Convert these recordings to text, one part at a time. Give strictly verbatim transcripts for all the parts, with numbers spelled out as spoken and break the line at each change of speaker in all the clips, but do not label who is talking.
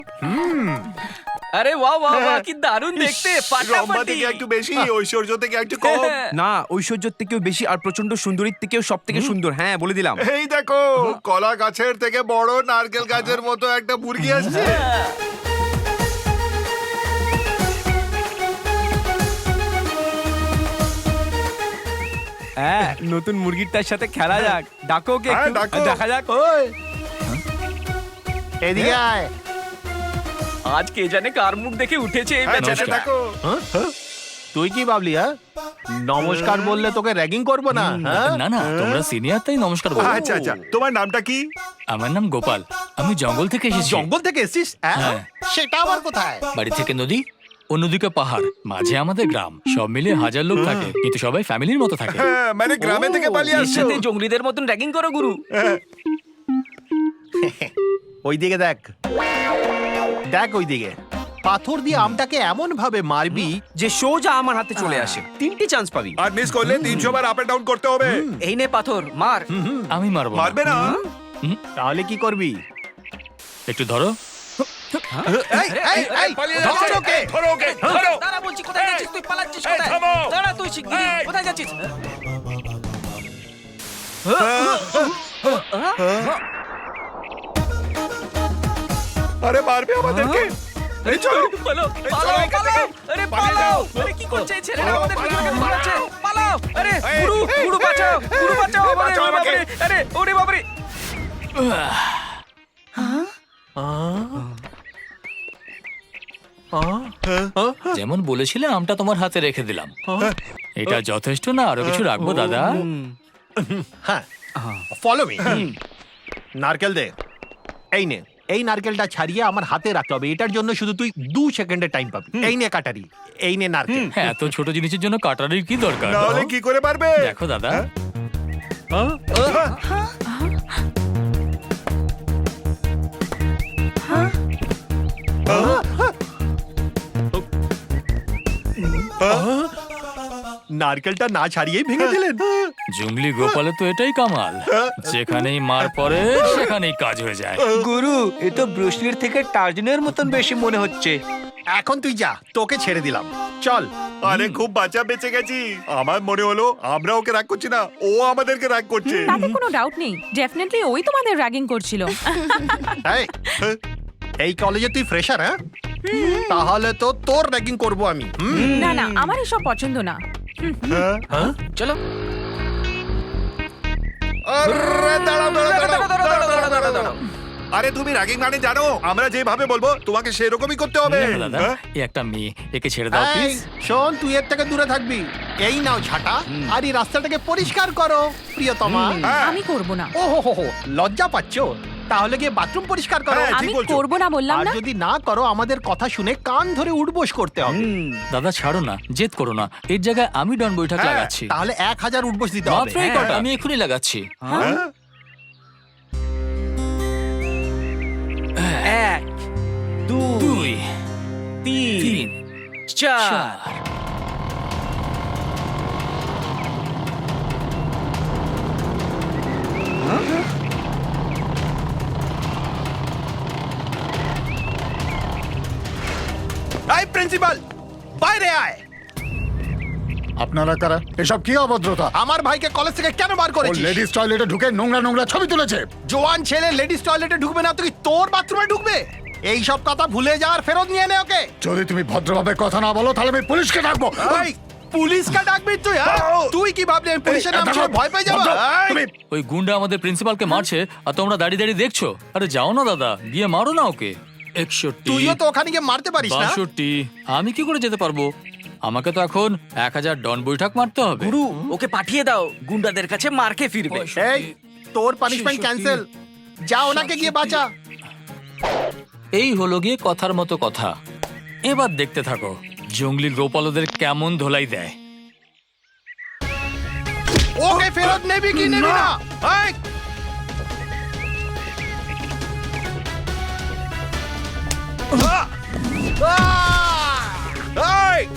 আরে বাহ বাহ বাহ, কি দারুণ দেখতে।
রম্বা
ফাটাফাটি।
থেকে একটু বেশি, ঐশ্বর্য থেকে একটু কম।
না, ঐশ্বর্যের থেকেও বেশি আর প্রচন্ড সুন্দরীর থেকেও সব থেকে সুন্দর। হ্যাঁ, বলে দিলাম।
এই দেখো, কলা গাছের থেকে বড় নারকেল গাছের মতো একটা মুরগি আসছে।
হ্যাঁ, নতুন মুরগিটার সাথে খেলা যাক। ডাকো ওকে
হ্যাঁ,
একটু।
ডাকো।
দেখা যাক। ওই
এদিকে আয়।
আজ কে জানে কার মুখ দেখে উঠেছে এই
হ্যাঁ,
বেচারা।
চেপে দেখো।
তুই কি ভাবলি? হ্যাঁ, নমস্কার বললে তোকে র্যাগিং করবো না? হ্যাঁ?
না না তোমরা সিনিয়র তাই নমস্কার বলো।
আচ্ছা আচ্ছা, তোমার নামটা কি?
আমার নাম গোপাল, আমি জঙ্গল থেকে এসেছি।
জঙ্গল থেকে এসেছিস? হ্যাঁ?
হ্যাঁ।
সেটা আবার কোথায়?
বাড়ি থেকে নদী, অন্যদিকে পাহাড়, মাঝে আমাদের গ্রাম। সব মিলিয়ে হাজার লোক থাকে, কিন্তু সবাই ফ্যামিলির মতো থাকে।
হ্যাঁ, মানে গ্রামে থেকে পালিয়ে
এর
আসছো।
সাথে জঙ্গলিদের মতন র্যাগিং করো গুরু।
ওইদিকে দেখ, দেখ ওইদিকে। পাথর দিয়ে আমটাকে এমন ভাবে মারবি
যে সোজা আমার হাতে চলে আসে। তিনটি চান্স পাবি।
আর মিস করলে তিনশো বার আপ এন্ড ডাউন করতে হবে।
এই নে পাথর, মার।
আমি মারবো না।
মারবে না?
তাহলে কি করবি?
একটু ধরো।
এই, এই, এই, ধর ওকে।
ধরো ওকে, ধরো।
দাঁড়া বলছি, কোথায় যাচ্ছিস তুই? পালাচ্ছিস
এই,
কোথায়?
থামো।
দাঁড়া তুই শিগগিরই, কোথায় যাচ্ছিস?
আরে মারবে আমাদেরকে। এই চল।
পালাও,
এই
পালাও,
চলো এখান
পালাও।
থেকে।
আরে
পালিয়ে
পালাও।
যাও।
আরে কি করছে এই ছেলেটা?
পালাও,
আমাদের
পালাও।
ভিতরে কেন পালাচ্ছে? পালাও। আরে
এই,
গুরু,
এই,
গুরু বাঁচাও, গুরু বাঁচাও
এই,
আমাদের,
বাঁচাও
ওরে
আমাকে।
বাবারে। আরে ওরে বাবারে।
যেমন বলেছিলে আমটা তোমার হাতে রেখে দিলাম। এটা যথেষ্ট না, আরো কিছু রাখবো দাদা?
হ্যাঁ, ফলো মি। নারকেল দে। এই নে, এই নারকেলটা ছাড়িয়ে আমার হাতে রাখতে হবে। এটার জন্য শুধু তুই দু সেকেন্ডের টাইম পাবি। এই নে কাটারি, এই নে নারকেল।
হ্যাঁ, এত ছোট জিনিসের জন্য কাটারির কি দরকার?
নাহলে কি করে পারবে?
দেখো দাদা,
নারকেলটা না ছাড়িয়েই ভেঙে দিলেন।
জঙ্গলি গোপালে তো এটাই কামাল, যেখানেই মার পড়ে সেখানেই কাজ হয়ে যায়।
গুরু, এ তো ব্রুসলির থেকে টার্জনের মতন বেশি মনে হচ্ছে।
এখন তুই যা, তোকে ছেড়ে দিলাম। চল।
আরে খুব বাঁচা বেঁচে গেছি। আমার মনে হলো আমরা ওকে রাগ করছি না, ও আমাদেরকে রাগ করছে।
তাতে কোনো ডাউট নেই, ডেফিনেটলি ওই তোমাদের র্যাগিং করছিল।
এই, এই কলেজে তুই ফ্রেশার? হ্যাঁ, তাহলে তো তোর র্যাগিং করব আমি। হুম।
না না, আমার এসব পছন্দ না।
চলো।
আরে দাঁড়াও, দাঁড়াও,
দাঁড়াও,
দাঁড়াও,
দাঁড়াও,
দাঁড়াও,
দাঁড়াও,
দাঁড়াও,
দাঁড়াও।
আরে তুমি রাগিং মানে জানো, আমরা যেভাবে বলবো তোমাকে সেরকমই করতে হবে।
দেখো দাদা,
হ্যাঁ?
এ একটা মেয়ে, একে ছেড়ে দাও
এই,
প্লিজ।
শোন, তুই এর থেকে দূরে থাকবি। এই নাও ঝাঁটা, আর এই রাস্তাটাকে পরিষ্কার করো প্রিয়তমা।
হ্যাঁ।
আমি করব না।
ও হো হো হো, লজ্জা পাচ্ছো? তাহলে গিয়ে বাথরুম পরিষ্কার করো।
হ্যাঁ, ঠিক
আমি
বলছো।
করব না বললাম
আর
না।
যদি না করো, আমাদের কথা শুনে কান ধরে উঠবোস করতে হবে।
দাদা ছাড়ো না, জেদ করো না। এর জায়গায় আমি ডন বৈঠক
হ্যাঁ,
লাগাচ্ছি।
তাহলে এক হাজার উঠবোস দিতে হবে।
মাত্র এই কটা, আমি এক্ষুনি লাগাচ্ছি।
হ্যাঁ?
এক, দুই,
দুই,
তিন,
তিন,
চার।
চার।
এই প্রিন্সিপাল, বাইরে আয়।
আপনারা কারা? এসব কি অভদ্রতা?
আমার ভাইকে কলেজ থেকে কেন বার
ও
করেছিস?
লেডিস টয়লেটে ঢুকে নোংরা নোংরা ছবি তুলেছে।
জোয়ান ছেলে লেডিস টয়লেটে ঢুকবে না, তুই তোর বাথরুমে ঢুকবে? এই সব কথা ভুলে যাওয়ার ফেরত নিয়ে নে ওকে।
যদি তুমি ভদ্রভাবে কথা না বলো তাহলে আমি পুলিশকে ডাকবো।
এই, পুলিশকে ডাকবি তুই? হ্যাঁ? তুই কি ভাবলি আমি পুলিশের নাম শুনে ভয় পেয়ে যাবো? এই,
তুমি
ওই গুন্ডা আমাদের প্রিন্সিপালকে মারছে আর তোমরা দাঁড়িয়ে দাঁড়িয়ে দেখছো। আরে যাও না দাদা, গিয়ে মারো না ওকে। একষট্টি,
তুইও তো ওখানে গিয়ে মারতে পারিস না।
বাষট্টি, আমি কি করে যেতে পারবো? আমাকে তো এখন এক হাজার ডন বৈঠক মারতে হবে।
গুরু, ওকে পাঠিয়ে দাও, গুন্ডাদের কাছে মার খেয়ে ফিরবে।
এই, তোর পানিশমেন্ট ক্যান্সেল। যা ওনাকে গিয়ে বাঁচা।
এই হলো গিয়ে কথার মতো কথা। এবার দেখতে থাকো জঙ্গলি গোপালদের কেমন ধোলাই দেয়।
ওকে ফেরত নেবি কি নেবি না? এই, আহ! আহ! এই!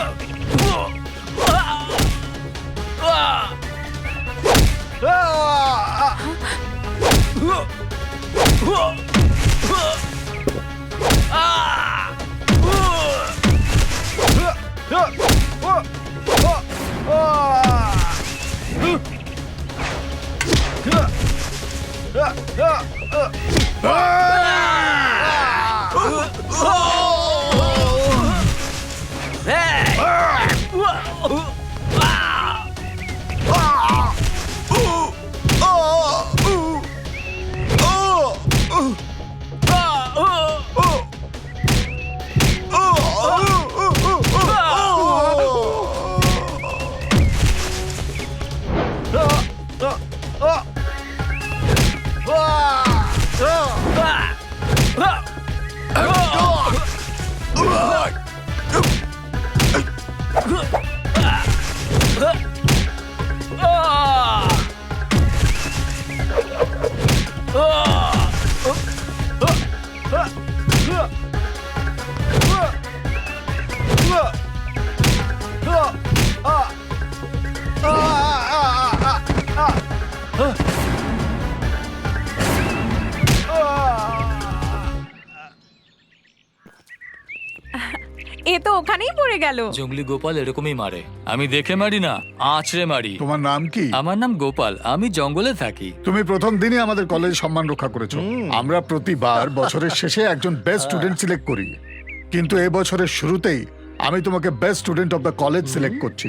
আহ!
এ তো ওখানেই পড়ে গেল।
জঙ্গলি গোপাল এরকমই মারে। আমি দেখে মারি না, আঁচড়ে মারি।
তোমার নাম কি?
আমার নাম গোপাল, আমি জঙ্গলে থাকি।
তুমি প্রথম দিনই আমাদের কলেজ সম্মান রক্ষা করেছো। আমরা প্রতিবার বছরের শেষে একজন বেস্ট স্টুডেন্ট সিলেক্ট করি, কিন্তু এই বছরের শুরুতেই আমি তোমাকে best student of the college select করছি।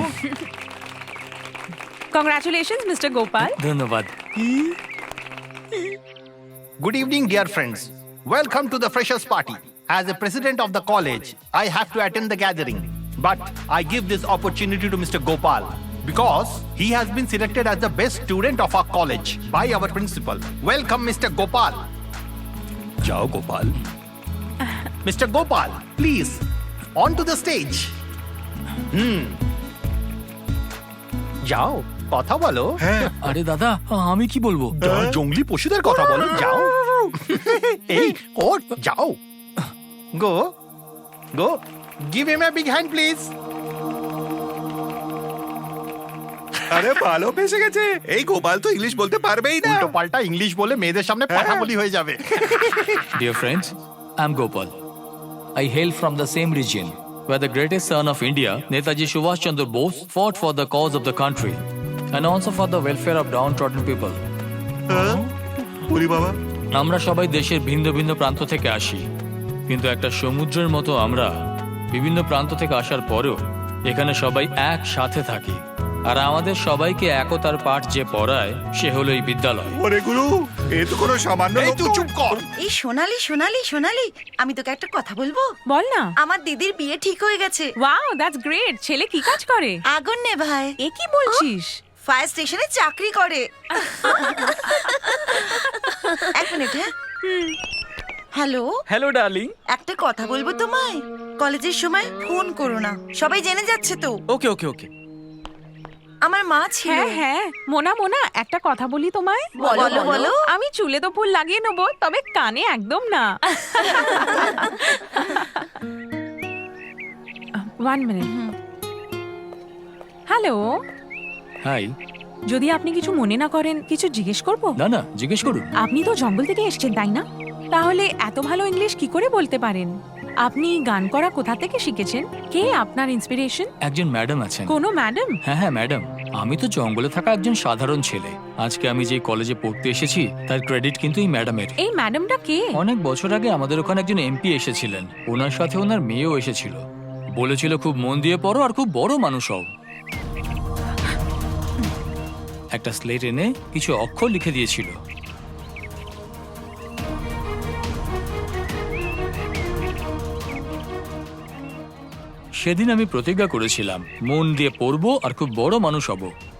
Congratulations mister Gopal.
ধন্যবাদ।
Good evening, dear friends. Welcome to the freshers party. As the president of the college, I have to attend the gathering. But I give this opportunity to Mister Gopal because he has been selected as the best student of our college by our principal. Welcome, Mister Gopal. Jao Gopal. Mister Gopal, please, on to the stage. Hmm. যাও কথা বলো।
আরে দাদা, আমি কি বলবো?
যাও, জঙ্গলি পশুদের কথা বলো, যাও। এই ওঠ, যাও। Go go give him a big hand please.
আরে ভালো ফেসে গেছে, এই গোপাল তো ইংলিশ বলতে পারবেই না।
উল্টো পাল্টা ইংলিশ বলে মেয়েদের সামনে পাঠাবলি হয়ে যাবে।
Dear friends, I'm Gopal. I hail from the same region where the greatest son of India, Netaji Subhash Chandra Bose, fought for the cause of the country and also for the welfare of downtrodden people.
ওরে বাবা,
আমরা সবাই দেশের ভিন্ন ভিন্ন প্রান্ত থেকে আসি, কিন্তু একটা সমুদ্রের মতো আমরা বিভিন্ন প্রান্ত থেকে আসার পরেও এখানে সবাই একসাথে থাকি। আর আমাদের সবাইকে একতার পাঠ যে পড়ায় সে হলো এই বিদ্যালয়।
ওরে গুরু, এ তো কোনো সামান্য
এই
লোক
তুই
নয়।
চুপ কর।
এই সোনালি সোনালি সোনালি, আমি তোকে একটা কথা বলবো।
বল না।
আমার দিদির বিয়ে ঠিক হয়ে গেছে।
Wow, that's great. ছেলে কি কাজ করে?
আগুন নে ভাই,
এ কি বলছিস?
ফায়ার স্টেশনে চাকরি করে। এক মিনিট। হ্যাঁ, হ্যালো
হ্যালো ডার্লিং।
একটা কথা বলবো তোমায়। কলেজের সময় ফোন করো না, সবাই জেনে যাচ্ছে তো।
ওকে ওকে ওকে।
আমার মা ছিল।
হ্যাঁ হ্যাঁ, মোনা মোনা, একটা কথা বলি তোমায়।
বলো, বলো।
আমি চুলে তো ফুল লাগিয়ে নেবো, তবে কানে একদম না। One minute. Hello,
hi.
যদি আপনি কিছু মনে না করেন, কিছু জিজ্ঞেস করবো?
না না, জিজ্ঞেস করুন।
আপনি তো জঙ্গল থেকে এসেছেন, তাই না? তাহলে এত ভালো ইংলিশ কি করে বলতে পারেন? আপনি গান করা কোথা থেকে শিখেছেন? কে আপনার ইন্সপিরেশন?
একজন ম্যাডাম আছেন।
কোনো ম্যাডাম?
হ্যাঁ হ্যাঁ ম্যাডাম, আমি তো জঙ্গলে থাকা একজন সাধারণ ছেলে। আজকে আমি যে কলেজে পড়তে এসেছি তার ক্রেডিট কিন্তু এই ম্যাডামের।
এই ম্যাডামটা কে?
অনেক বছর আগে আমাদের ওখানে একজন এমপি এসেছিলেন, ওনার সাথে ওনার মেয়েও এসেছিল। বলেছিল খুব মন দিয়ে পড়ো আর খুব বড় মানুষ হও। একটা স্লেট এনে কিছু অক্ষর লিখে দিয়েছিল। সেদিন আমি প্রতিজ্ঞা করেছিলাম মন দিয়ে পড়বো আর খুব বড় মানুষ হব।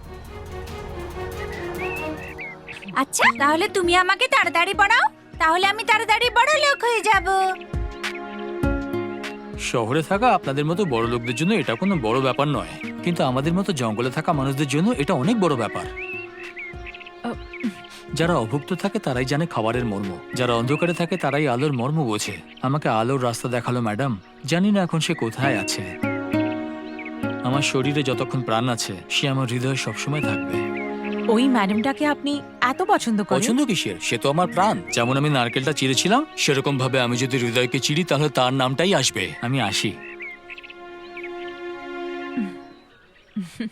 আচ্ছা, তাহলে তুমি আমাকে তাড়াতাড়ি পড়াও, তাহলে আমি তাড়াতাড়ি বড় লোক হয়ে যাব।
শহরে থাকা আপনাদের মতো বড় লোকদের জন্য এটা কোনো বড় ব্যাপার নয়, কিন্তু আমাদের মতো জঙ্গলে থাকা মানুষদের জন্য এটা অনেক বড় ব্যাপার। যারা অভুক্ত থাকে তারাই জানে খাবারের মর্ম, যারা অন্ধকারে থাকে তারাই আলোর মর্ম বোঝে। আমাকে আলোর রাস্তা দেখালো ম্যাডাম। জানি না এখন সে কোথায় আছে। আমার শরীরে যতক্ষণ প্রাণ আছে সে আমার হৃদয়ে সবসময় থাকবে।
ওই ম্যাডামটাকে আপনি এত পছন্দ করেন?
পছন্দ কিসের, সে তো আমার প্রাণ। যেমন আমি নারকেলটা চিড়েছিলাম, সেরকম ভাবে আমি যদি হৃদয়কে চিড়ি তাহলে তার নামটাই আসবে। আমি আসি।